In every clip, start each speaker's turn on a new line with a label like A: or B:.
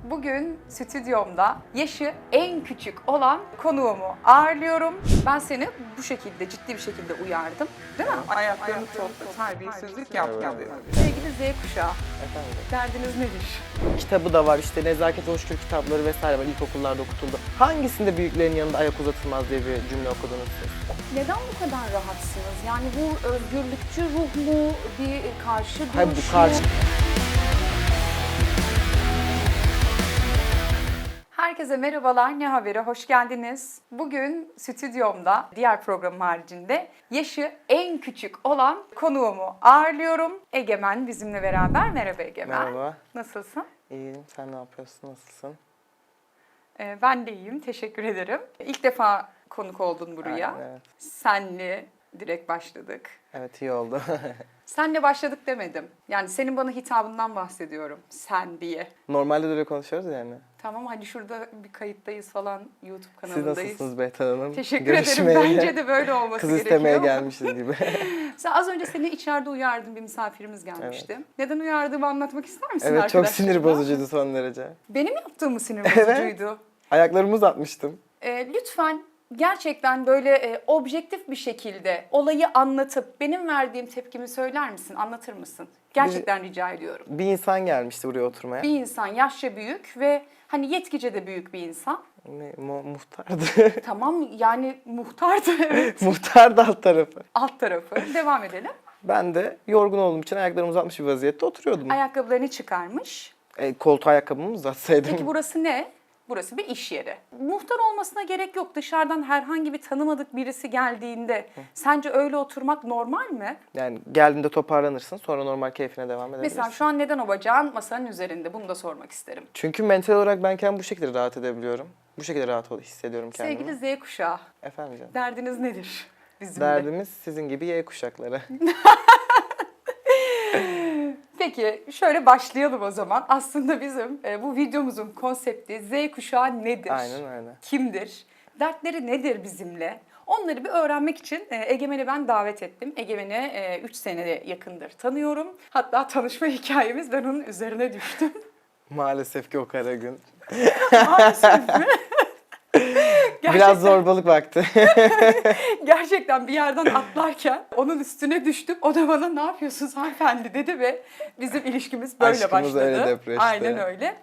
A: Bugün stüdyomda yaşı en küçük olan konuğumu ağırlıyorum. Ben seni bu şekilde, ciddi bir şekilde uyardım. Değil mi? Ayaklarını topla, terbiyesizlik yapma dedim. Sevgili Z kuşağı,
B: Efendim?
A: derdiniz nedir?
B: Kitabı da var işte Nezaket Hoşgör kitapları vesaire var, ilkokullarda okutuldu. Hangisinde büyüklerin yanında ayak uzatılmaz diye bir cümle okudunuz siz?
A: Neden bu kadar rahatsınız? Yani bu özgürlükçü ruh mu, bir karşı duruş
B: Hayır,
A: mu?
B: bu karşı...
A: Herkese merhabalar, Ne Haber'e hoş geldiniz. Bugün stüdyomda, diğer programım haricinde yaşı en küçük olan konuğumu ağırlıyorum. Egemen bizimle beraber. Merhaba Egemen.
B: Merhaba.
A: Nasılsın?
B: İyiyim. Sen ne yapıyorsun? Nasılsın?
A: Ben de iyiyim, teşekkür ederim. İlk defa konuk oldun buraya.
B: Aynen, evet.
A: Senle direkt başladık.
B: Evet, iyi oldu.
A: Senle başladık demedim. Yani senin bana hitabından bahsediyorum. Sen diye.
B: Normalde de öyle konuşuyoruz yani.
A: Tamam, hani şurada bir kayıttayız falan, YouTube
B: Siz
A: kanalındayız.
B: nasılsınız Behtar Hanım?
A: Teşekkür
B: Görüşmeye,
A: ederim. Bence de böyle olması
B: kız
A: gerekiyor.
B: istemeye gelmişiz gibi.
A: Sen az önce seni içeride uyardın, bir misafirimiz gelmişti. Neden uyardığımı anlatmak ister misin
B: Evet, çok
A: arkadaşlarıma?
B: sinir bozucuydu son derece.
A: Benim yaptığım mı sinir bozucuydu?
B: Ayaklarımı uzatmıştım.
A: Lütfen gerçekten böyle objektif bir şekilde olayı anlatıp benim verdiğim tepkimi söyler misin, anlatır mısın? Gerçekten rica ediyorum.
B: Bir insan gelmişti buraya oturmaya.
A: Bir insan yaşça büyük ve hani yetkice de büyük bir insan.
B: Muhtardı.
A: Tamam, yani muhtardı, evet.
B: Muhtardı alt tarafı.
A: Alt tarafı. Devam edelim.
B: Ben de yorgun olduğum için ayaklarımı uzatmış bir vaziyette oturuyordum.
A: Ayakkabılarını çıkarmış.
B: Koltuğa ayakkabımı uzatsaydım.
A: Peki burası ne? Burası bir iş yeri. Muhtar olmasına gerek yok. Dışarıdan herhangi bir tanımadık birisi geldiğinde sence öyle oturmak normal mi?
B: Yani geldiğinde toparlanırsın, sonra normal keyfine devam edebilirsin.
A: Mesela şu an neden o bacağın masanın üzerinde? Bunu da sormak isterim.
B: Çünkü mental olarak ben kendimi bu şekilde rahat edebiliyorum. Bu şekilde rahat hissediyorum kendimi.
A: Sevgili Z kuşağı,
B: Efendim canım.
A: derdiniz nedir bizimle?
B: Derdimiz sizin gibi Y kuşakları.
A: Peki şöyle başlayalım o zaman. Aslında bizim bu videomuzun konsepti Z kuşağı nedir?
B: Aynen öyle.
A: Kimdir? Dertleri nedir bizimle? Onları bir öğrenmek için Egemen'i ben davet ettim. Egemen'i 3 seneye yakındır tanıyorum. Hatta tanışma hikayemiz, ben onun üzerine düştüm.
B: Maalesef ki o kara gün.
A: Maalesef mi?
B: Biraz zorbalık vakti.
A: Gerçekten bir yerden atlarken onun üstüne düştüm. O da bana ne yapıyorsunuz hanımefendi dedi ve bizim ilişkimiz böyle
B: Aşkımız
A: başladı.
B: öyle depreşti.
A: Aynen öyle.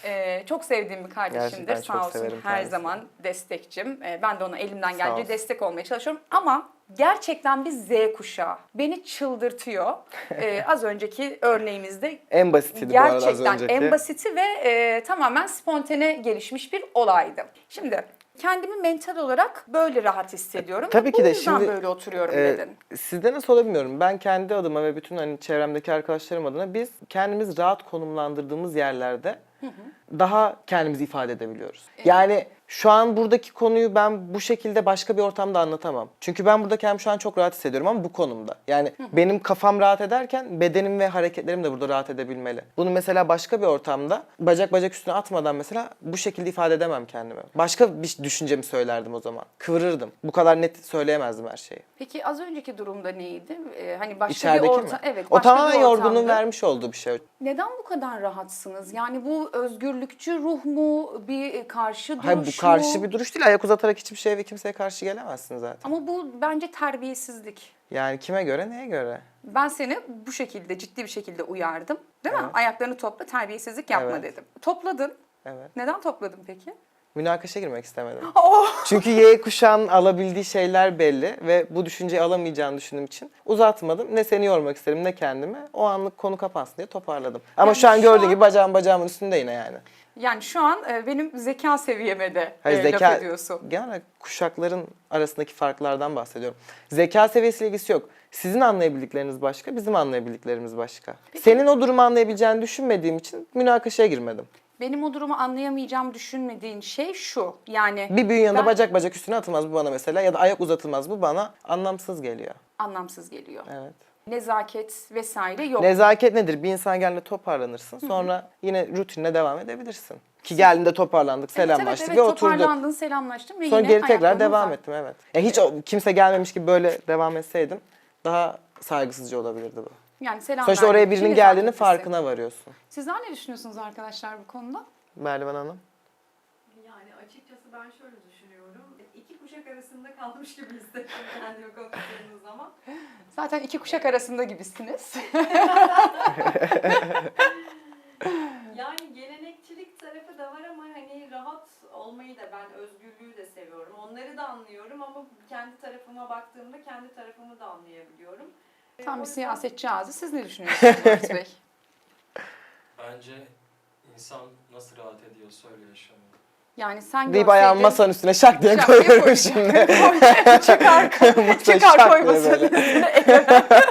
A: Çok sevdiğim bir kardeşimdir.
B: Gerçekten
A: Sağ
B: çok
A: olsun
B: severim
A: her
B: kendisini.
A: zaman destekçim. Ben de ona elimden
B: Sağ
A: gelince
B: olsun.
A: destek olmaya çalışıyorum. Ama gerçekten bir Z kuşağı. Beni çıldırtıyor. Az önceki örneğimizde
B: En basitiydi bu arada az
A: gerçekten
B: önceki.
A: en basiti ve tamamen spontane gelişmiş bir olaydı. Şimdi kendimi mental olarak böyle rahat hissediyorum.
B: Tabii ki
A: Bu
B: de
A: yüzden
B: şimdi,
A: böyle oturuyorum dedin.
B: Sizde nasıl olabiliyorum? Ben kendi adıma ve bütün hani çevremdeki arkadaşlarım adına biz kendimiz rahat konumlandırdığımız yerlerde daha kendimizi ifade edebiliyoruz. Yani şu an buradaki konuyu ben bu şekilde başka bir ortamda anlatamam. Çünkü ben burada kendimi şu an çok rahat hissediyorum ama bu konumda. Yani benim kafam rahat ederken bedenim ve hareketlerim de burada rahat edebilmeli. Bunu mesela başka bir ortamda bacak üstüne atmadan mesela bu şekilde ifade edemem kendimi. Başka bir düşüncemi söylerdim o zaman. Kıvırırdım. Bu kadar net söyleyemezdim her şeyi.
A: Peki az önceki durumda neydi? Hani başka
B: İçerideki
A: bir
B: mi?
A: ortam. Evet,
B: O
A: başka
B: tamamen
A: bir
B: yorgunluğun
A: ortamda.
B: vermiş olduğu bir şey.
A: Neden bu kadar rahatsınız? Yani bu özgürlükçü ruh mu? Bir karşı duruş
B: Hayır, bu karşı
A: mu?
B: bir duruş değil. Ayak uzatarak hiçbir şeye ve kimseye karşı gelemezsin zaten.
A: Ama bu bence terbiyesizlik.
B: Yani kime göre, neye göre?
A: Ben seni bu şekilde, ciddi bir şekilde uyardım. Değil mi?
B: Evet.
A: Ayaklarını topla, terbiyesizlik yapma
B: Evet.
A: dedim. Topladın.
B: Evet.
A: Neden topladın peki?
B: Münakaşa girmek istemedim.
A: Oh!
B: Çünkü Y kuşağının alabildiği şeyler belli ve bu düşünceyi alamayacağını düşündüğüm için uzatmadım. Ne seni yormak istedim ne kendimi. O anlık konu kapansın diye toparladım. Ama
A: Yani
B: şu an
A: şu
B: gördüğün
A: an-
B: gibi bacağımın üstünde yine yani.
A: Yani şu an benim zeka seviyeme de
B: Hayır,
A: laf ediyorsun.
B: genel kuşakların arasındaki farklardan bahsediyorum. Zeka seviyesiyle ilgisi yok. Sizin anlayabildikleriniz başka, bizim anlayabildiklerimiz başka. Senin o durumu anlayabileceğini düşünmediğim için münakaşaya girmedim.
A: Benim o durumu anlayamayacağım düşünmediğin şey şu. Yani
B: Bir büyüğün yanında
A: ben-
B: bacak üstüne atılmaz bu bana mesela ya da ayak uzatılmaz bu bana anlamsız geliyor.
A: anlamsız geliyor.
B: Evet.
A: Nezaket vesaire yok.
B: Nezaket nedir? Bir insan geldiğinde toparlanırsın. Sonra yine rutinine devam edebilirsin. Ki geldiğinde toparlandık, selamlaştık
A: evet,
B: ve oturduk.
A: toparlandın, selamlaştın ve
B: Sonra
A: yine
B: geri tekrar
A: ayaklarını
B: devam
A: uzat.
B: ettim, evet. Ya hiç kimse gelmemiş gibi böyle devam etseydim daha saygısızca olabilirdi bu.
A: Yani selam
B: Sonuçta oraya
A: verdiğin
B: birinin
A: için
B: geldiğinin
A: nezaketlisin.
B: farkına varıyorsun.
A: Sizler ne düşünüyorsunuz arkadaşlar bu konuda?
B: Berlivan Hanım?
C: Yani açıkçası ben şöyle düşünüyorum. İki kuşak arasında kalmış gibi hissettim kendimi konuştuğumuz zaman.
A: Zaten iki kuşak arasında gibisiniz.
C: Yani gelenekçilik tarafı da var ama hani rahat olmayı da ben özgürlüğü de seviyorum. Onları da anlıyorum ama kendi tarafıma baktığımda kendi tarafımı da anlayabiliyorum.
A: Tam
C: O
A: bir
C: yüzden-
A: siyasetçi ağzı. Siz ne düşünüyorsunuz Murat Bey?
D: Bence insan nasıl rahat ediyorsa öyle yaşamıyor.
A: Yani sen
B: Deyip ayağımı masanın üstüne şak diye koyuyorum şimdi.
A: Çıkar,
B: Masaya
A: çıkar
B: şak
A: koy
B: diye
A: masanın
B: böyle.
A: üstüne.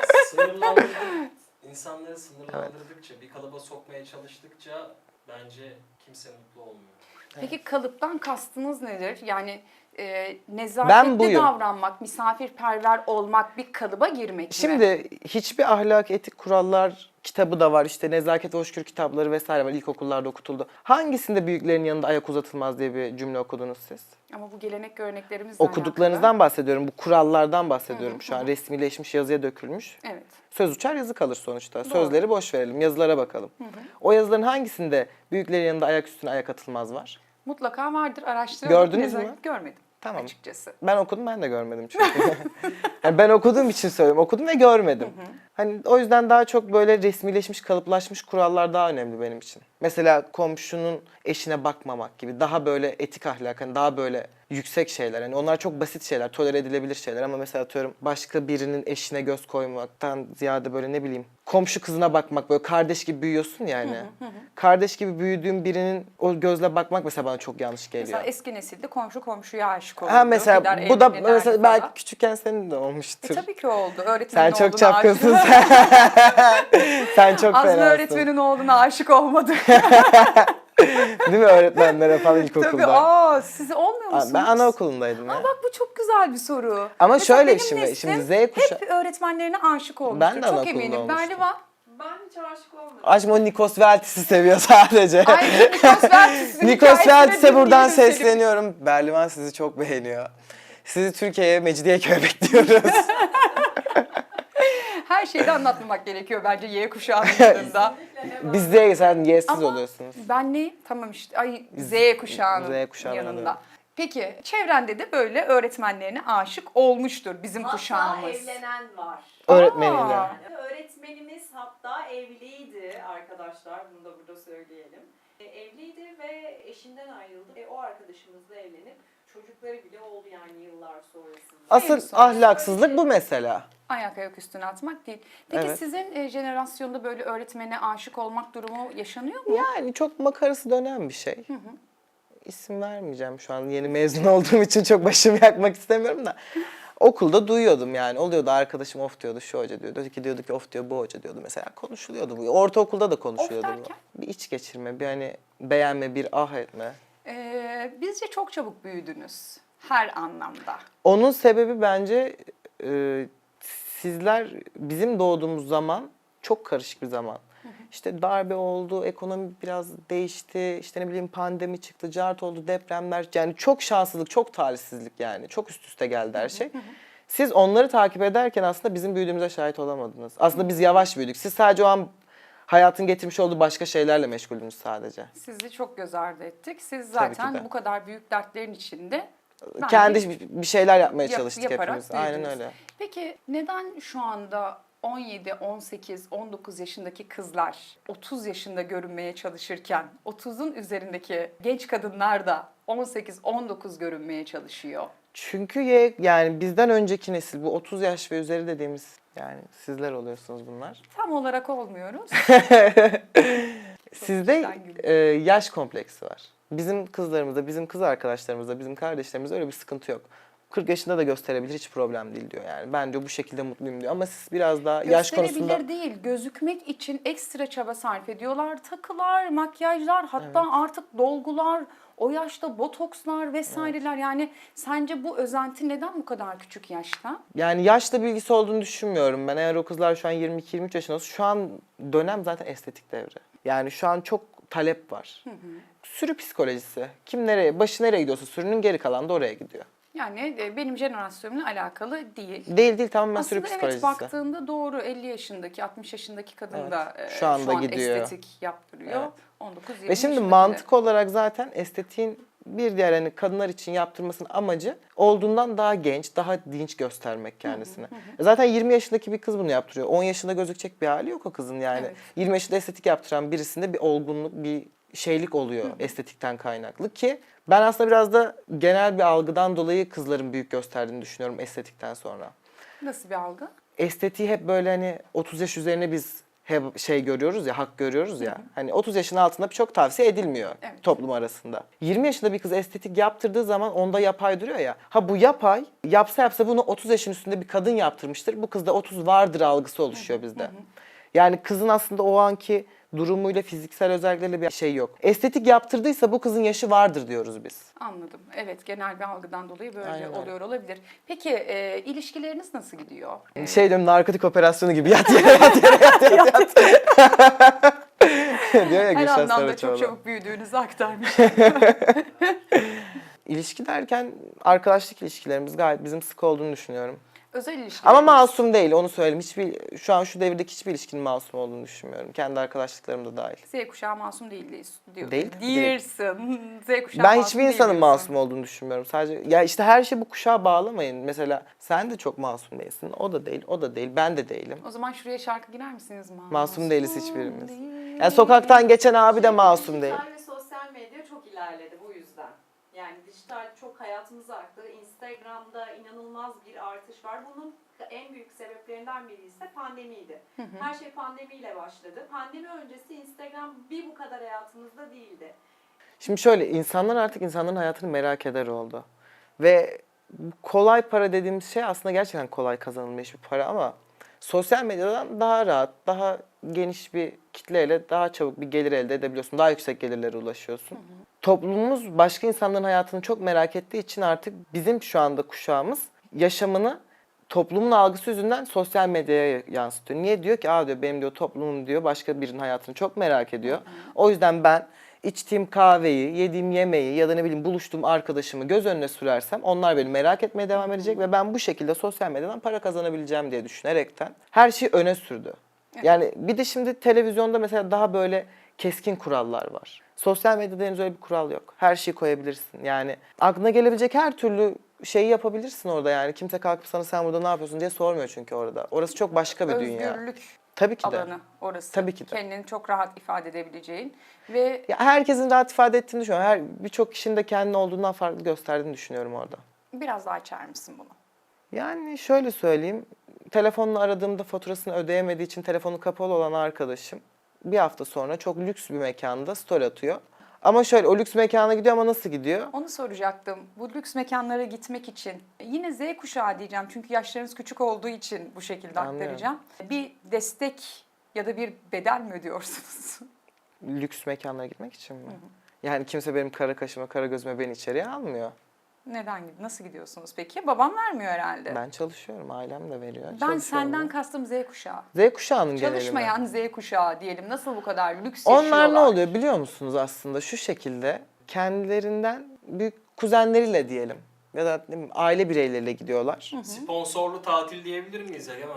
D: İnsanları sınırlandırdıkça, bir kalıba sokmaya çalıştıkça bence kimse mutlu olmuyor.
A: Peki kalıptan kastınız nedir? Yani
B: Ben
A: nezaketli
B: buyum.
A: davranmak, misafirperver olmak, bir kalıba girmek mi?
B: Şimdi hiçbir ahlak, etik kurallar kitabı da var. İşte nezaket ve hoşgörü kitapları vesaire var. İlkokullarda okutuldu. Hangisinde büyüklerin yanında ayak uzatılmaz diye bir cümle okudunuz siz?
A: Ama bu gelenek göreneklerimizle
B: Okuduklarınızdan bahsediyorum. Bu kurallardan bahsediyorum şu an. Resmileşmiş, yazıya dökülmüş.
A: Evet.
B: Söz uçar, yazı kalır sonuçta.
A: Doğru.
B: Sözleri boş verelim, yazılara bakalım. O yazıların hangisinde büyüklerin yanında ayak üstüne ayak atılmaz var?
A: Mutlaka vardır, araştırdım.
B: Gördünüz mü?
A: Görmedim.
B: Tamam.
A: Açıkçası.
B: Ben okudum, ben de görmedim çünkü. Yani ben okuduğum için söylüyorum. Okudum ve görmedim. Hani o yüzden daha çok böyle resmileşmiş, kalıplaşmış kurallar daha önemli benim için. Mesela komşunun eşine bakmamak gibi daha böyle etik ahlak, hani daha böyle yüksek şeyler. Hani onlar çok basit şeyler, tolere edilebilir şeyler ama mesela atıyorum başka birinin eşine göz koymaktan ziyade böyle ne bileyim komşu kızına bakmak, böyle kardeş gibi büyüyorsun yani. Kardeş gibi büyüdüğün birinin o gözle bakmak mesela bana çok yanlış geliyor.
A: Mesela eski nesilde komşu komşuya aşık olurdu.
B: Ha mesela
A: gider
B: bu da
A: evlenirlerdi
B: mesela
A: falan.
B: belki küçükken senin de olmuştur.
A: Tabii ki oldu. Öğretmenin
B: Sen çok
A: oğluna
B: çapkınsın.
A: aşık.
B: Sen çok
A: Azmi
B: fenasın.
A: öğretmenin oğluna aşık olmadı.
B: Değil mi öğretmenlere falan ilkokulda?
A: Tabii. Siz olmuyor
B: Aa,
A: musunuz?
B: ben anaokulundaydım ya.
A: Bak bu çok güzel bir soru.
B: Ama
A: Mesela
B: şöyle
A: benim
B: şimdi
A: neslim
B: Z kuşağı.
A: hep öğretmenlerine aşık olmuştur.
B: Ben de
A: çok
B: anaokulunda
A: eminim.
B: olmuştum.
A: Berlivan.
C: Ben hiç aşık olmadım.
B: Aşkım o Nikos Veltis'i seviyor sadece.
A: Ayrıca Nikos Veltis'in
B: Nikos
A: hikayesine
B: Veltis'e buradan
A: dinleyelim
B: sesleniyorum. Berlivan sizi çok beğeniyor. Sizi Türkiye'ye, Mecidiyeköy'e bekliyoruz.
A: Her şeyi de anlatmamak gerekiyor bence Y kuşağının yanında.
C: Kesinlikle hemen.
B: Biz Z, sen Y'siz
A: Ama
B: oluyorsunuz.
A: Ben ne? Tamam işte. Ay Z kuşağının
B: Z kuşağının
A: yanında.
B: yanında.
A: Peki çevrende de böyle öğretmenlerine aşık olmuştur bizim
C: Hatta
A: kuşağımız.
C: evlenen var.
B: Öğretmeniyle.
A: Aa.
C: Yani öğretmenimiz hatta evliydi arkadaşlar. Bunu da burada söyleyelim. Evliydi ve eşinden ayrıldı. O arkadaşımızla evlenip çocukları bile oldu yani yıllar sonrasında.
B: Asıl
A: En son
B: ahlaksızlık bu mesela.
A: Ayak üstüne atmak değil. Peki
B: Evet.
A: sizin jenerasyonda böyle öğretmene aşık olmak durumu yaşanıyor mu?
B: Yani çok makarası dönen bir şey. İsim vermeyeceğim şu an. Yeni mezun olduğum için çok başımı yakmak istemiyorum da. Okulda duyuyordum yani. Oluyordu arkadaşım of diyordu, şu hoca diyordu. Öteki diyordu ki of diyor, bu hoca diyordu mesela. Konuşuluyordu bu. Ortaokulda da konuşuluyordu
A: Of
B: bu.
A: derken?
B: Bir iç geçirme, bir hani beğenme, bir ah etme.
A: Bizce çok çabuk büyüdünüz. Her anlamda.
B: Onun sebebi bence sizler bizim doğduğumuz zaman çok karışık bir zaman. İşte darbe oldu, ekonomi biraz değişti, işte ne bileyim pandemi çıktı, cart oldu, depremler. Yani çok şanssızlık, çok talihsizlik yani. Çok üst üste geldi her şey. Siz onları takip ederken aslında bizim büyüdüğümüze şahit olamadınız. Aslında biz yavaş büyüdük. Siz sadece o an hayatın getirmiş olduğu başka şeylerle meşguldünüz sadece.
A: Sizi çok göz ardı ettik. Siz
B: Tabii ki
A: zaten
B: de.
A: bu kadar büyük dertlerin içinde bence
B: Kendi bir şeyler yapmaya
A: yap-
B: çalıştık
A: yaparak
B: hepimiz. Aynen
A: büyüdünüz.
B: öyle.
A: Peki neden şu anda 17, 18, 19 yaşındaki kızlar 30 yaşında görünmeye çalışırken 30'un üzerindeki genç kadınlar da 18, 19 görünmeye çalışıyor?
B: Çünkü yani bizden önceki nesil bu 30 yaş ve üzeri dediğimiz yani sizler oluyorsunuz bunlar.
A: Tam olarak olmuyoruz.
B: Sizde
A: içten gülüyorum.
B: yaş kompleksi var. Bizim kızlarımızda, bizim kız arkadaşlarımızda, bizim kardeşlerimizde öyle bir sıkıntı yok. 40 yaşında da gösterebilir, hiç problem değil diyor yani. Ben diyor bu şekilde mutluyum diyor. Ama siz biraz daha yaş konusunda...
A: Gösterebilir değil, gözükmek için ekstra çaba sarf ediyorlar. Takılar, makyajlar, hatta artık dolgular, o yaşta botokslar vesaireler. Yani sence bu özenti neden bu kadar küçük yaşta?
B: Yani yaşla bilgisi olduğunu düşünmüyorum ben. Eğer o kızlar şu an 22-23 yaşında olsa şu an dönem zaten estetik devri. Yani şu an çok talep var. Sürü psikolojisi. Kim nereye, başı nereye gidiyorsa sürünün geri kalanı da oraya gidiyor.
A: Yani benim jenerasyonumla alakalı değil.
B: Değil tamamen sürü
A: Aslında
B: psikolojisi.
A: evet, baktığında doğru, 50 yaşındaki, 60 yaşındaki kadın
B: Evet,
A: da
B: şu anda gidiyor.
A: estetik yaptırıyor.
B: Evet.
A: 19-20
B: Ve şimdi
A: yaşındaki de.
B: mantık olarak zaten estetiğin bir diğer hani kadınlar için yaptırmasının amacı olduğundan daha genç, daha dinç göstermek kendisine. Zaten 20 yaşındaki bir kız bunu yaptırıyor. 10 yaşında gözükecek bir hali yok o kızın yani.
A: Evet.
B: 20 yaşında estetik yaptıran birisinde bir olgunluk, bir şeylik oluyor estetikten kaynaklı ki ben aslında biraz da genel bir algıdan dolayı kızların büyük gösterdiğini düşünüyorum estetikten sonra.
A: Nasıl bir algı?
B: Estetiği hep böyle hani 30 yaş üzerine biz hep şey görüyoruz ya, hak görüyoruz ya. Hani 30 yaşın altında çok tavsiye edilmiyor
A: Evet.
B: toplum arasında. 20 yaşında bir kız estetik yaptırdığı zaman onda yapay duruyor ya. Ha bu yapay, yapsa bunu 30 yaşın üstünde bir kadın yaptırmıştır. Bu kızda 30 vardır algısı oluşuyor bizde. Yani kızın aslında o anki durumuyla, fiziksel özellikleriyle bir şey yok. Estetik yaptırdıysa bu kızın yaşı vardır diyoruz biz.
A: Anladım. Evet, genel bir algıdan dolayı böyle
B: Aynen öyle.
A: oluyor olabilir. Peki ilişkileriniz nasıl gidiyor?
B: Şey diyorum, narkotik operasyonu gibi yat yere yat yere yat yat yat. Diyor ya
A: Her
B: Gülşen
A: anlamda çok
B: Saraçoğlu.
A: çabuk büyüdüğünüzü aktarmış.
B: İlişki derken arkadaşlık ilişkilerimiz gayet bizim sık olduğunu düşünüyorum.
A: Özel ilişkiler.
B: Ama masum değil, onu söyleyeyim. Şu an şu devirdeki hiçbir ilişkinin masum olduğunu düşünmüyorum. Kendi arkadaşlıklarım da dahil.
A: Z kuşağı masum değil diyor.
B: Değil.
A: Değilsin. Z kuşağı
B: Ben
A: masum
B: hiçbir
A: değil
B: insanın
A: diyorsun.
B: masum olduğunu düşünmüyorum. Sadece ya işte her şeyi bu kuşağa bağlamayın. Mesela sen de çok masum değilsin. O da değil, o da değil. Ben de değilim.
A: O zaman şuraya şarkı girer misiniz?
B: Masum değiliz hiçbirimiz.
A: değil.
B: Yani sokaktan geçen abi de masum değil.
C: Dijital ve sosyal medya çok ilerledi bu yüzden. Yani dijital çok hayatımıza aktı. Instagram'da inanılmaz bir artış var. Bunun en büyük sebeplerinden biri ise pandemiydi. Her şey pandemiyle başladı. Pandemi öncesi Instagram bir bu kadar hayatımızda değildi.
B: Şimdi şöyle, insanlar artık insanların hayatını merak eder oldu. Ve kolay para dediğimiz şey aslında gerçekten kolay kazanılmış bir para ama sosyal medyadan daha rahat, daha geniş bir kitleyle daha çabuk bir gelir elde edebiliyorsun. Daha yüksek gelirlere ulaşıyorsun. Toplumumuz başka insanların hayatını çok merak ettiği için artık bizim şu anda kuşağımız yaşamını toplumun algısı yüzünden sosyal medyaya yansıtıyor. Niye? Diyor ki diyor benim diyor toplumum diyor başka birinin hayatını çok merak ediyor. O yüzden ben içtiğim kahveyi, yediğim yemeği ya da ne bileyim buluştuğum arkadaşımı göz önüne sürersem onlar beni merak etmeye devam edecek ve ben bu şekilde sosyal medyadan para kazanabileceğim diye düşünerekten her şeyi öne sürdü. Yani bir de şimdi televizyonda mesela daha böyle keskin kurallar var. Sosyal medyada henüz öyle bir kural yok. Her şeyi koyabilirsin. Yani aklına gelebilecek her türlü şeyi yapabilirsin orada yani. Kimse kalkıp sana sen burada ne yapıyorsun diye sormuyor çünkü orada. Orası çok başka bir dünya.
A: Özgürlük
B: Tabii ki de.
A: alanı orası.
B: Tabii ki de.
A: Kendini çok rahat ifade edebileceğin ve
B: Ya herkesin rahat ifade ettiğini düşünüyorum. Birçok kişinin de kendini olduğundan farklı gösterdiğini düşünüyorum orada.
A: biraz daha açar mısın bunu?
B: Yani şöyle söyleyeyim. Telefonla aradığımda faturasını ödeyemediği için telefonu kapalı olan arkadaşım bir hafta sonra çok lüks bir mekanda story atıyor. Ama şöyle o lüks mekana gidiyor ama nasıl gidiyor?
A: Onu soracaktım. Bu lüks mekanlara gitmek için yine Z kuşağı diyeceğim çünkü yaşlarınız küçük olduğu için bu şekilde
B: Anlıyorum.
A: aktaracağım. Bir destek ya da bir bedel mi ödüyorsunuz?
B: Lüks mekanlara gitmek için mi? Yani kimse benim kara kaşıma, kara gözüme beni içeriye almıyor.
A: Nasıl gidiyorsunuz peki? Babam vermiyor herhalde.
B: Ben çalışıyorum, ailem de veriyor.
A: Ben
B: Çalışıyorum
A: senden
B: da.
A: kastım Z kuşağı.
B: Z kuşağının genelinde.
A: Çalışmayan Z kuşağı diyelim. Nasıl bu kadar lüks
B: Onlar
A: yaşıyorlar?
B: ne oluyor biliyor musunuz aslında? Şu şekilde kendilerinden büyük kuzenleriyle diyelim ya da ne bileyim, aile bireyleriyle gidiyorlar.
D: Sponsorlu tatil diyebilir miyiz Egemen?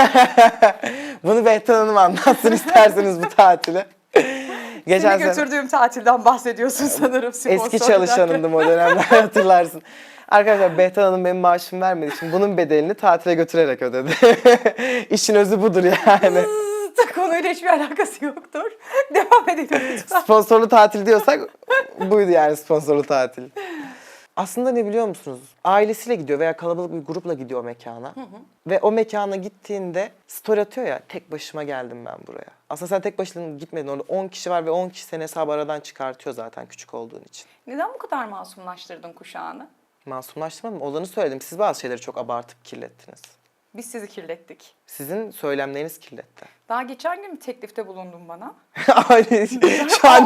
B: Bunu Behtan Hanım anlatsın isterseniz bu tatili.
A: Seni
B: sene
A: götürdüğüm tatilden bahsediyorsun sanırım.
B: eski
A: sponsor
B: çalışanımdım o dönemler hatırlarsın. Arkadaşlar Behtan Hanım benim maaşımı vermediği için bunun bedelini tatile götürerek ödedi. İşin özü budur yani.
A: derken. Konuyla hiçbir alakası yoktur. Devam edelim lütfen.
B: Sponsorlu tatil diyorsak buydu yani sponsorlu tatil. Aslında ne biliyor musunuz? Ailesiyle gidiyor veya kalabalık bir grupla gidiyor o mekana. Ve o mekana gittiğinde story atıyor ya tek başıma geldim ben buraya. Aslında sen tek başına gitmedin orada 10 kişi var ve 10 kişi seni hesabı aradan çıkartıyor zaten küçük olduğun için.
A: Neden bu kadar masumlaştırdın kuşağını?
B: Masumlaştırmadım. Olanı söyledim. Siz bazı şeyleri çok abartıp kirlettiniz.
A: Biz sizi kirlettik.
B: Sizin söylemleriniz kirletti.
A: Daha geçen gün bir teklifte bulundun bana.
B: Ay, şu an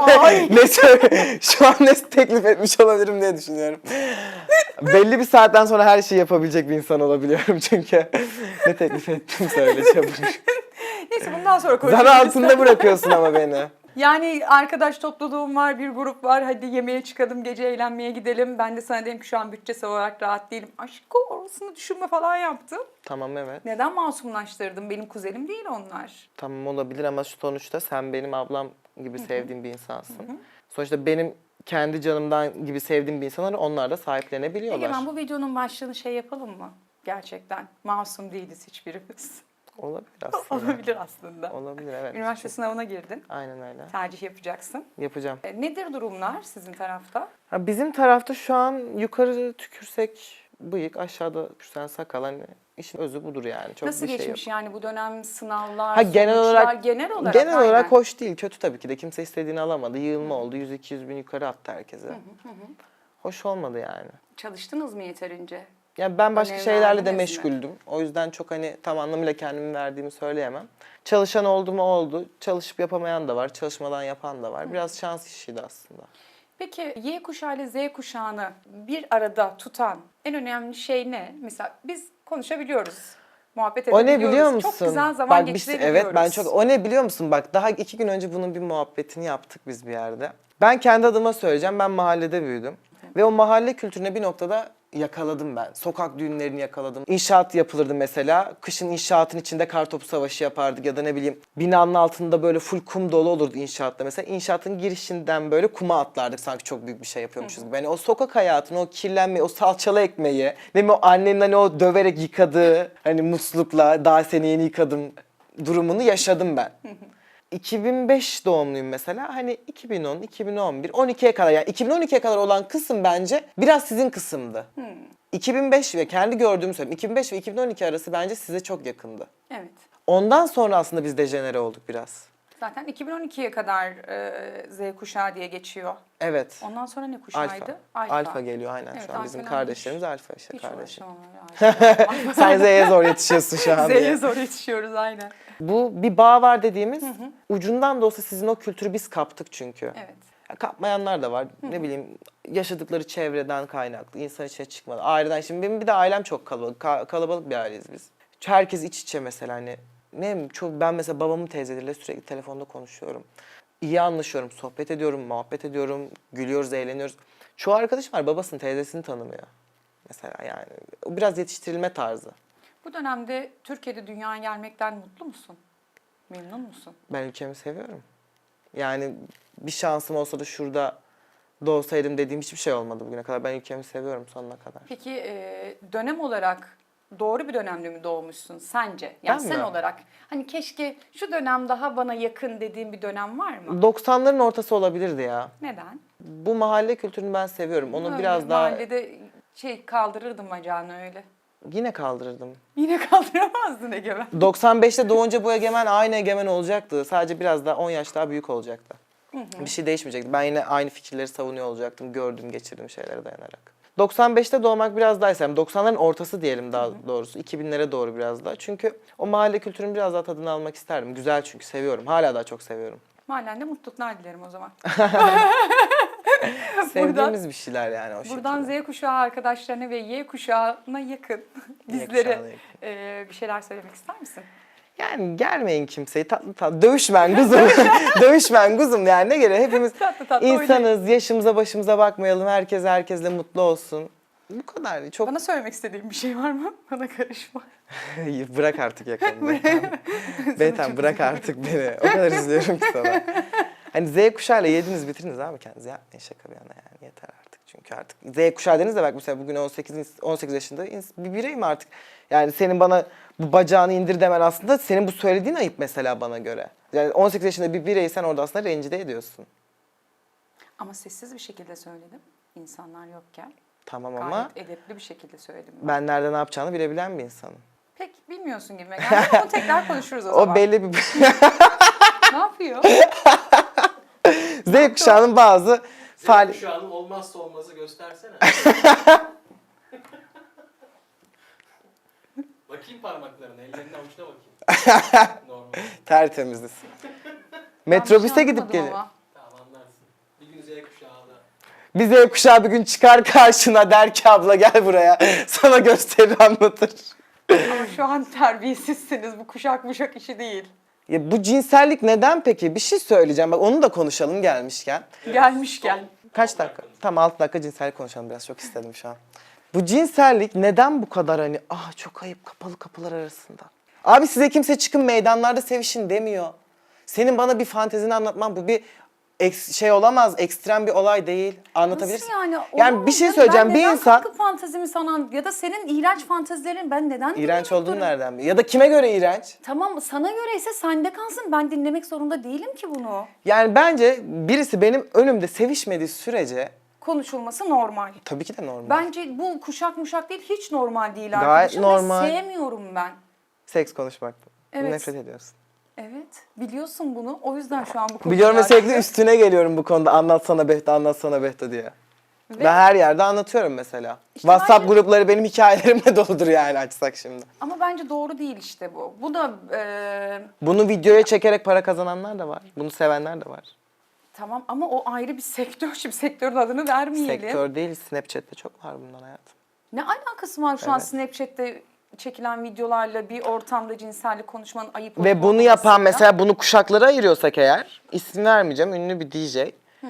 B: şu an ne teklif etmiş olabilirim diye düşünüyorum. Belli bir saatten sonra her şeyi yapabilecek bir insan olabiliyorum çünkü. Ne teklif ettim söyle çabuk.
A: Neyse bundan sonra
B: Zan
A: konuşuruz.
B: altında bırakıyorsun ama beni.
A: Yani arkadaş topluluğum var, bir grup var. Hadi yemeğe çıkalım, gece eğlenmeye gidelim. Ben de sana dedim ki şu an bütçesel olarak rahat değilim. Aşkım orasını düşünme falan yaptım.
B: Tamam, evet.
A: Neden masumlaştırdım? Benim kuzenim değil onlar.
B: Tamam, olabilir ama sonuçta sen benim ablam gibi sevdiğim bir insansın. Sonuçta benim kendi canımdan gibi sevdiğim bir insanlar onlar da sahiplenebiliyorlar.
A: Egemen, bu videonun başlığını şey yapalım mı? Gerçekten masum değiliz hiçbirimiz.
B: Olabilir aslında.
A: Olabilir aslında.
B: Olabilir, evet.
A: Üniversite sınavına girdin.
B: Aynen öyle.
A: Tercih yapacaksın.
B: Yapacağım.
A: Nedir durumlar sizin tarafta?
B: Ha, bizim tarafta şu an yukarı tükürsek bıyık, aşağıda tükürsen sakal, hani işin özü budur yani. Çok
A: Nasıl
B: bir şey yok.
A: geçmiş yani bu dönem sınavlar,
B: Ha, genel
A: sonuçlar,
B: olarak
A: genel olarak
B: olarak hoş değil. Kötü tabii ki de. Kimse istediğini alamadı. Yığılma oldu. 100-200 bin yukarı attı herkese. Hoş olmadı yani.
A: Çalıştınız mı yeterince?
B: Yani ben başka
A: Önem
B: şeylerle de
A: verdiniz mi?
B: meşguldüm. O yüzden çok hani tam anlamıyla kendimi verdiğimi söyleyemem. Çalışan oldu mu oldu. Çalışıp yapamayan da var. Çalışmadan yapan da var. Biraz şans işiydi aslında.
A: Peki Y kuşağı ile Z kuşağını bir arada tutan en önemli şey ne? Mesela biz konuşabiliyoruz. Muhabbet
B: O
A: edebiliyoruz.
B: ne biliyor musun?
A: Çok güzel zaman
B: Bak,
A: geçirebiliyoruz.
B: evet, ben çok... O ne biliyor musun? Bak, daha 2 gün önce bunun bir muhabbetini yaptık biz bir yerde. Ben kendi adıma söyleyeceğim. Ben mahallede büyüdüm. Ve o mahalle kültürüne bir noktada yakaladım ben. Sokak düğünlerini yakaladım. İnşaat yapılırdı mesela. Kışın inşaatın içinde kartopu savaşı yapardık ya da ne bileyim binanın altında böyle full kum dolu olurdu inşaatta mesela. İnşaatın girişinden böyle kuma atlardık sanki çok büyük bir şey yapıyormuşuz gibi. Yani o sokak hayatını, o kirlenmeyi, o salçalı ekmeği, ne bileyim o annenin hani o döverek yıkadığı hani muslukla daha seni yeni yıkadım durumunu yaşadım ben. 2005 doğumluyum mesela. Hani 2010, 2011, 12'ye kadar yani 2012'ye kadar olan kısım bence biraz sizin kısımdı. 2005 ve kendi gördüğümü söyleyeyim. 2005 ve 2012 arası bence size çok yakındı.
A: Evet.
B: Ondan sonra aslında biz dejenere olduk biraz.
A: Zaten 2012'ye kadar Z kuşağı diye geçiyor.
B: Evet.
A: Ondan sonra ne kuşağıydı?
B: Alfa geliyor aynen
A: Evet,
B: şu an. Bizim
A: alfalar
B: kardeşlerimiz alfa işte
A: Hiç
B: kardeşim.
A: uğraşamam öyle.
B: Sen Z'ye zor yetişiyorsun şu an.
A: Z'ye
B: diye.
A: zor yetişiyoruz aynen.
B: Bu bir bağ var dediğimiz ucundan da olsa sizin o kültürü biz kaptık çünkü.
A: Evet.
B: Ya, kapmayanlar da var. Ne bileyim yaşadıkları çevreden kaynaklı, insan içine çıkmadı. Aileden şimdi benim bir de ailem çok kalabalık. Kalabalık bir aileyiz biz. Herkes iç içe mesela hani ne bileyim, ben mesela babamın teyzeleriyle sürekli telefonda konuşuyorum. İyi anlaşıyorum, sohbet ediyorum, muhabbet ediyorum, gülüyoruz, eğleniyoruz. Çoğu arkadaşım var babasını, teyzesini tanımıyor. Mesela yani o biraz yetiştirilme tarzı.
A: Bu dönemde Türkiye'de dünyaya gelmekten mutlu musun? Memnun musun?
B: Ben ülkemi seviyorum. Yani bir şansım olsa da şurada doğsaydım dediğim hiçbir şey olmadı bugüne kadar. Ben ülkemi seviyorum sonuna kadar.
A: Peki dönem olarak doğru bir dönemde mi doğmuşsun sence? Yani
B: Ben
A: sen
B: mi?
A: olarak hani keşke şu dönem daha bana yakın dediğin bir dönem var mı?
B: 90'ların ortası olabilirdi ya.
A: Neden?
B: Bu mahalle kültürünü ben seviyorum. Onu
A: Öyle
B: biraz daha
A: mahallede kaldırırdım bacağını öyle.
B: yine kaldırırdım.
A: Yine kaldıramazdın Egemen.
B: 95'te doğunca bu egemen aynı egemen olacaktı. Sadece biraz daha 10 yaş daha büyük olacaktı. Bir şey değişmeyecekti. Ben yine aynı fikirleri savunuyor olacaktım. Gördüğüm, geçirdiğim şeylere dayanarak. 95'te doğmak biraz daha istem. 90'ların ortası diyelim daha doğrusu. 2000'lere doğru biraz daha. Çünkü o mahalle kültürünün biraz daha tadını almak isterdim. Güzel çünkü seviyorum. Hala daha çok seviyorum.
A: Mahallende mutluluklar dilerim o zaman.
B: Sevdiğimiz bir şeyler yani o
A: Buradan
B: şekilde.
A: Z kuşağı arkadaşlarına ve Y kuşağına yakın bizlere
B: kuşağına yakın.
A: bir şeyler söylemek ister misin?
B: Yani germeyin kimseyi tatlı tatlı. Dövüşmen kuzum. Dövüşmen kuzum yani ne gerek. Hepimiz
A: Tatlı tatlı
B: insanız. Yaşımıza başımıza bakmayalım. Herkes herkesle mutlu olsun. Bu kadar. Çok
A: Bana söylemek istediğin bir şey var mı? Bana karışma.
B: bırak artık yakamı. Beyten bırak artık beni. O kadar üzülüyorum ki sana. Hani Z kuşağıyla yediniz bitirdiniz abi kendinizi. Yapmayın şaka bir yana yani. Yeter artık. Çünkü artık Z kuşağı dediniz de bak mesela bugün 18 yaşında bir bireyim artık. Yani senin bana bu bacağını indir demen aslında senin bu söylediğin ayıp mesela bana göre. Yani 18 yaşında bir bireysen orada aslında rencide ediyorsun.
A: Ama sessiz bir şekilde söyledim. İnsanlar yokken.
B: Tamam
A: Gayet
B: ama
A: edepli bir şekilde söyledim.
B: ben nerede ne yapacağını bilebilen bir insanım.
A: Pek bilmiyorsun gibi. Yani onu tekrar konuşuruz o zaman.
B: O belli bir...
A: Ne yapıyor?
B: Z kuşağının bazı
D: Senin şu an olmazsa olmazı göstersene. Bakayım parmaklarına, ellerine avuçuna bakayım. Normal.
B: tertemiziz. Metrobüse
A: Yanlış
B: gidip
A: anlamadım
B: gelin.
A: ama.
D: Tamam anlarsın. Bir gün Z kuşağı da.
B: Bir Z kuşağı bir gün çıkar karşına der ki abla gel buraya. Sana gösterir anlatır.
A: Ama şu an terbiyesizsiniz. Bu kuşak işi değil.
B: Ya bu cinsellik neden peki? Bir şey söyleyeceğim. Bak onu da konuşalım gelmişken.
A: Gelmişken.
B: Kaç dakika? Tam 6 dakika cinsellik konuşalım biraz. Çok istedim şu an. Bu cinsellik neden bu kadar hani çok ayıp kapalı kapılar arasında? Abi size kimse çıkın meydanlarda sevişin demiyor. Senin bana bir fantezini anlatman bu bir şey olamaz. Ekstrem bir olay değil. Anlatabilirsin.
A: Nasıl yani?
B: Yani bir şey
A: Olamaz.
B: söyleyeceğim.
A: Ben
B: Bir
A: neden
B: insan
A: katkı fantezimi sana ya da senin iğrenç fantezilerin ben neden
B: iğrenç
A: dinlemek
B: olduğunu
A: zorunda-
B: nereden biliyor? Ya da kime göre iğrenç?
A: Tamam sana göre ise sende kalsın. Ben dinlemek zorunda değilim ki bunu.
B: Yani bence birisi benim önümde sevişmediği sürece
A: Konuşulması normal.
B: tabii ki de normal.
A: Bence bu kuşak muşak değil, hiç normal değil
B: Gayet
A: arkadaşım. Ve
B: normal.
A: sevmiyorum ben.
B: Seks konuşmak.
A: Evet.
B: Nefret ediyorsun.
A: Evet, biliyorsun bunu. O yüzden şu an bu konuyu
B: Biliyorum ve sürekli
A: açtım.
B: üstüne geliyorum bu konuda. Anlatsana Behta, anlatsana Behta diye.
A: Ve-
B: Ben her yerde anlatıyorum mesela.
A: İşte
B: WhatsApp
A: bence-
B: grupları benim hikayelerimle doludur yani açsak şimdi.
A: Ama bence doğru değil işte bu. Bu da
B: Bunu videoya çekerek para kazananlar da var. Bunu sevenler de var.
A: tamam ama o ayrı bir sektör. Şimdi sektörün adını vermeyelim.
B: Sektör değil, Snapchat'te çok var bundan hayatım.
A: Ne alakası var şu an
B: Evet.
A: Snapchat'te çekilen videolarla bir ortamda cinsellik konuşmanın ayıp
B: Ve
A: olup
B: bunu yapan
A: olmamasıyla?
B: mesela bunu kuşaklara ayırıyorsak eğer, isim vermeyeceğim, ünlü bir DJ.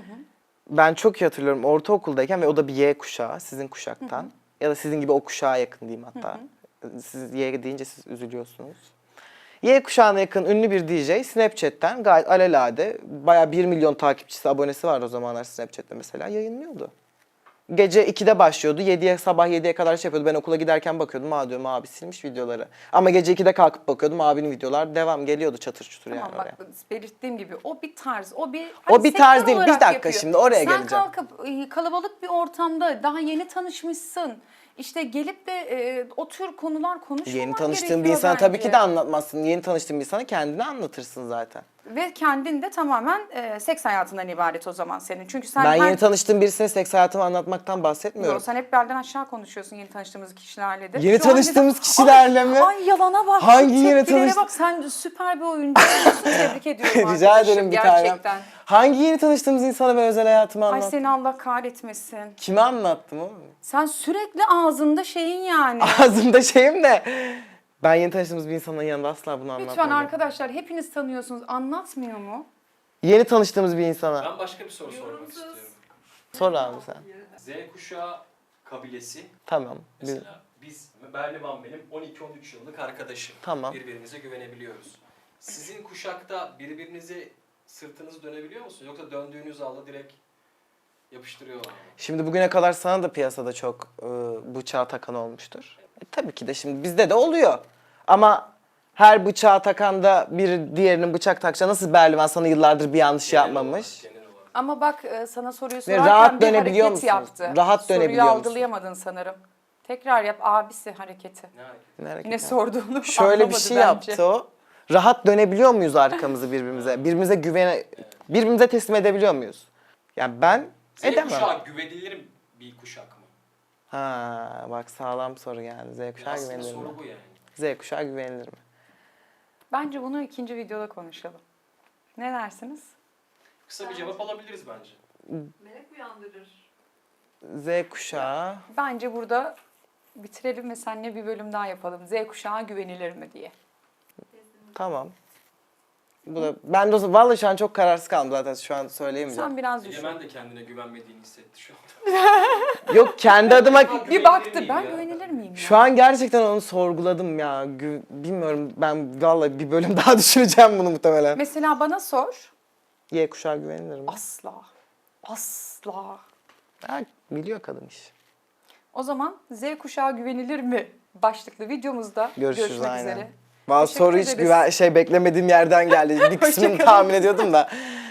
B: Ben çok iyi hatırlıyorum ortaokuldayken ve o da bir Y kuşağı, sizin kuşaktan. Ya da sizin gibi o kuşağa yakın diyeyim hatta. Siz Y deyince siz üzülüyorsunuz. Y kuşağına yakın ünlü bir DJ Snapchat'ten gayet alelade, bayağı 1 milyon takipçisi, abonesi var o zamanlar Snapchat'te mesela, yayınlıyordu. Gece 2'de başlıyordu. Sabah 7'ye kadar şey yapıyordu. Ben okula giderken bakıyordum. Diyorum abi silmiş videoları. Ama gece 2'de kalkıp bakıyordum. Abinin videolar devam geliyordu çatır çutur
A: Tamam
B: yani
A: bak
B: oraya.
A: belirttiğim gibi o bir tarz, o bir
B: O bir tarz
A: sektör
B: değil. Bir
A: olarak
B: dakika
A: yapıyor.
B: şimdi oraya
A: Sen
B: geleceğim.
A: kalkıp kalabalık bir ortamda daha yeni tanışmışsın. İşte gelip de o tür konular konuşmamak
B: Yeni tanıştığın bir
A: gerekiyor
B: insana tabii
A: bence.
B: ki de anlatmazsın. Yeni tanıştığın bir insana kendini anlatırsın zaten.
A: Ve kendin de tamamen seks hayatından ibaret o zaman senin. Çünkü sen
B: Ben
A: her...
B: yeni tanıştığım birisine seks hayatımı anlatmaktan bahsetmiyorum.
A: Yok, sen hep belden aşağı konuşuyorsun yeni tanıştığımız kişilerle de.
B: Yeni
A: Şu an
B: tanıştığımız
A: dedim,
B: kişilerle mi?
A: Ay yalana bak.
B: Hangi
A: şu
B: yeni
A: tepkilere
B: tanış-
A: bak. Sen süper bir oyuncusun. Tebrik ediyorum
B: Rica
A: arkadaşım,
B: ederim bir tanem.
A: gerçekten.
B: Hangi yeni tanıştığımız insana ben özel hayatımı
A: Ay
B: anlattım?
A: seni Allah kahretmesin.
B: Kime anlattım oğlum?
A: Sen sürekli ağzında şeyin yani.
B: Ağzımda şeyim de. Ben yeni tanıştığımız bir insanın yanında asla bunu anlatmam.
A: Lütfen arkadaşlar hepiniz tanıyorsunuz. Anlatmıyor mu?
B: Yeni tanıştığımız bir insana.
D: Ben başka bir soru sormak istiyorum.
B: Sor abi sen.
D: Z kuşağı kabilesi
B: Tamam.
D: mesela biz Berlivan benim 12-13 yıllık arkadaşım.
B: Tamam.
D: Birbirimize güvenebiliyoruz. Sizin kuşakta birbirinize sırtınızı dönebiliyor musunuz? Yoksa döndüğünüz anda direkt yapıştırıyorlar mı?
B: Şimdi bugüne kadar sana da piyasada çok bıçağı takan olmuştur. Tabii ki de şimdi bizde de oluyor. Ama her bıçağı takanda bir diğerinin bıçak takacağı nasıl Berlivan sana yıllardır bir yanlış yapmamış?
D: Genel olarak.
A: Ama bak sana soruyu
B: Ve
A: sorarken
B: rahat
A: bir
B: dönebiliyor
A: hareket
B: musunuz?
A: yaptı.
B: Rahat
A: Soruyu
B: dönebiliyor musun?
A: algılayamadın sanırım. Tekrar yap abisi hareketi.
D: Ne hareket?
B: Ne hareket
A: Ne
B: ya?
A: sorduğunu
B: Şöyle bir
A: anlamadı
B: şey
A: bence.
B: yaptı o. Rahat dönebiliyor muyuz arkamızı birbirimize? Birbirimize teslim edebiliyor muyuz? Yani ben
D: Z
B: edemem.
D: kuşağı güvenilir bir kuşak mı?
B: Ha bak sağlam soru geldi. Z kuşağı
D: Aslında
B: güvenilir mi?
D: soru bu yani.
B: Z kuşağı güvenilir mi?
A: Bence bunu ikinci videoda konuşalım. Ne dersiniz?
D: Kısa bir cevap alabiliriz bence.
C: Merak uyandırır.
B: Z kuşağı.
A: Bence burada bitirelim ve seninle bir bölüm daha yapalım. Z kuşağı güvenilir mi diye.
B: Tamam. Bu da ben de vallahi şu an çok kararsız kaldım zaten şu an söyleyemeyeceğim.
A: Sen biraz düşün.
D: Egemen de kendine güvenmediğini hissetti şu anda.
B: Yok kendi adıma
A: Bir baktı
D: miyim
A: ben
D: ya?
A: güvenilir miyim ya?
B: şu an gerçekten onu sorguladım ya. Bilmiyorum ben vallahi bir bölüm daha düşüneceğim bunu muhtemelen.
A: Mesela bana sor.
B: Y kuşağı güvenilir mi?
A: Asla. Asla.
B: Ha, biliyor kadın iş.
A: O zaman Z kuşağı güvenilir mi? Başlıklı videomuzda
B: Görüşürüz
A: görüşmek
B: aynen.
A: üzere.
B: Bazı
A: Teşekkür
B: soru hiç
A: ederiz.
B: beklemediğim yerden geldi. Bir kısmını
A: Hoşça kalın.
B: tahmin ediyordum da.